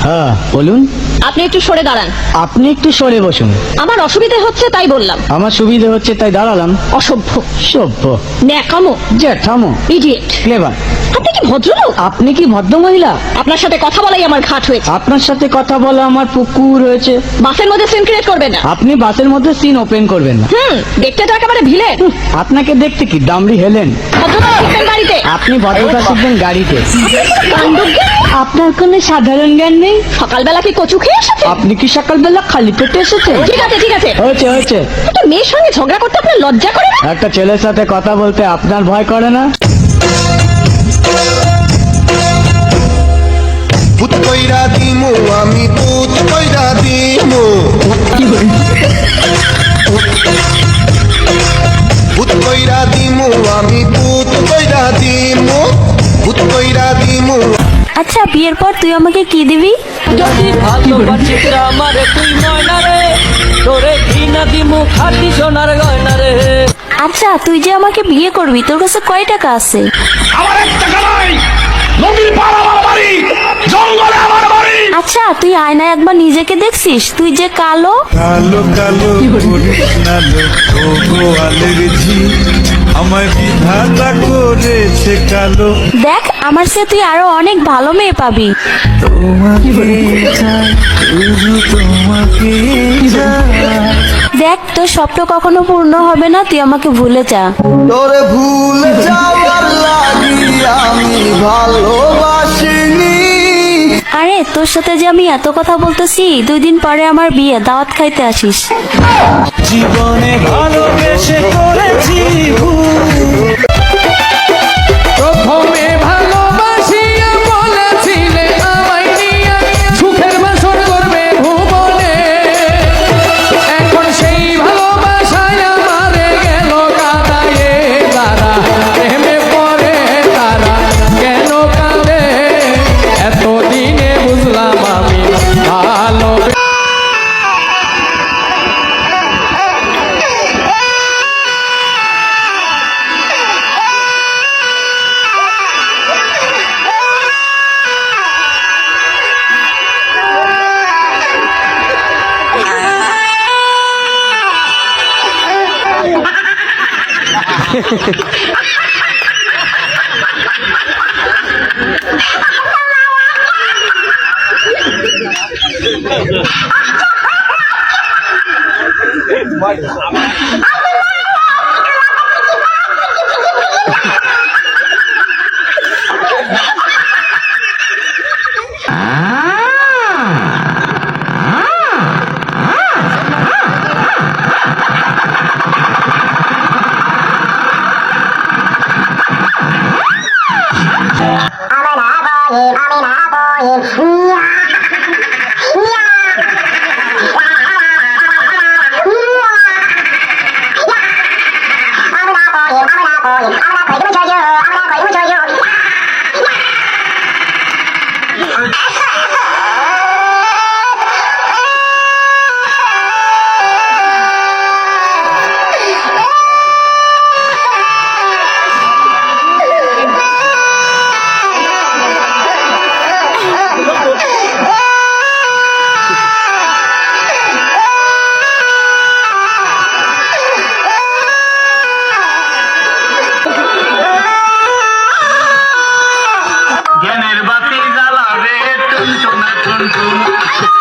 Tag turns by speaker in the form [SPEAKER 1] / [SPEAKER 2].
[SPEAKER 1] হ্যাঁ বলুন।
[SPEAKER 2] আপনি একটু সরে দাঁড়ান।
[SPEAKER 1] আপনি একটু সরে বসুন।
[SPEAKER 2] আমার অসুবিধা হচ্ছে তাই বললাম।
[SPEAKER 1] আমার সুবিধে হচ্ছে তাই দাঁড়ালাম।
[SPEAKER 2] অসভ্য,
[SPEAKER 1] সভ্য,
[SPEAKER 2] ন্যাকামো,
[SPEAKER 1] জ্যাঠামো,
[SPEAKER 2] ইডিয়েট।
[SPEAKER 1] ক্লেভার।
[SPEAKER 2] আপনি কি ভদ্রলোক?
[SPEAKER 1] আপনি কি ভদ্র মহিলা?
[SPEAKER 2] আপনার সাথে কথা বলাই আমার ঘাট হয়েছে।
[SPEAKER 1] আপনার সাথে কথা বলা আমার পুকুর হয়েছে।
[SPEAKER 2] বাসের মধ্যে সিন ক্রিয়েট করবেন না।
[SPEAKER 1] আপনি বাসের মধ্যে সিন ওপেন করবেন না।
[SPEAKER 2] দেখতে তো একেবারে ভিলে।
[SPEAKER 1] আপনাকে দেখতে কি দামড়ি হেলেন?
[SPEAKER 2] ভদ্রতা শিখবেন বাড়িতে।
[SPEAKER 1] আপনি ভদ্রতা শিখবেন গাড়িতে।
[SPEAKER 2] কাণ্ডজ্ঞান।
[SPEAKER 1] আপনার কোনো সাধারণ জ্ঞান নেই?
[SPEAKER 2] সকালবেলা কি কচু খেয়ে এসেছে?
[SPEAKER 1] আপনি কি সকালবেলা খালি পেটে এসেছেন?
[SPEAKER 2] ঠিক আছে ঠিক আছে।
[SPEAKER 1] হয়েছে হয়েছে।
[SPEAKER 2] একটা মেয়ের সঙ্গে ঝগড়া করতে আপনার লজ্জা করে না?
[SPEAKER 1] একটা ছেলের সাথে কথা বলতে আপনার ভয় করে না?
[SPEAKER 3] ভূত কইরা দিমু আমি, ভূত কইরা দিমু, ভূত কইরা দিমু আমি, ভূত কইরা দিমু, ভূত কইরা দিমু।
[SPEAKER 4] আচ্ছা, বিয়ের পর তুই আমাকে কি দিবি?
[SPEAKER 5] যদি ভালোবাসিস আমারে তুই ময়না রে, তোরে ঘৃণা দিমু খাটি সোনার গয়না রে।
[SPEAKER 4] আচ্ছা, তুই যে আমাকে বিয়ে করবি, তোর কাছে কয় টাকা আছে?
[SPEAKER 6] আমার এক টাকা নাই, নদীর পার আমার বাড়ি, জঙ্গলে আমার বাড়ি।
[SPEAKER 4] আচ্ছা, তুই আয়নায় একবার নিজেকে দেখছিস? তুই যে কালো।
[SPEAKER 7] কালো কালো করিস না লো, ও গোয়ালের ঝি, আমায় বিধাতা করেছে কালো।
[SPEAKER 4] দেখ, আমার চেয়ে তুই আরো অনেক ভালো মেয়ে পাবি।
[SPEAKER 7] তোমাকে চাই, শুধু তোমাকে চাই।
[SPEAKER 4] দেখ, তোর স্বপ্ন কখনো পূর্ণ হবে না, তুই আমাকে ভুলে যা।
[SPEAKER 3] তোরে ভুলে যাওয়ার লাগি আমি ভালোবাসিনি।
[SPEAKER 4] আরে, তোর সাথে যে আমি এত কথা বলতেছি, 2 দিন পরে আমার বিয়ে, দাওয়াত খাইতে আসিস।
[SPEAKER 7] জীবনে ভালোবেসে করেছি ভুল।
[SPEAKER 5] প্রথমে ভালোবাসিয়া বলেছিলে আমায় নিয়া সুখের বাসর করবে ভুবনে, এখন সেই ভালোবাসায় আমারে গেল কাদায়ে তারা, প্রেমে পড়ে তারা কেন কাঁদে, এতদিনে বুঝলাম আমি ভালো।
[SPEAKER 6] জ্ঞানের বাতি জ্বালাবে টুন টুনা টুন টুন।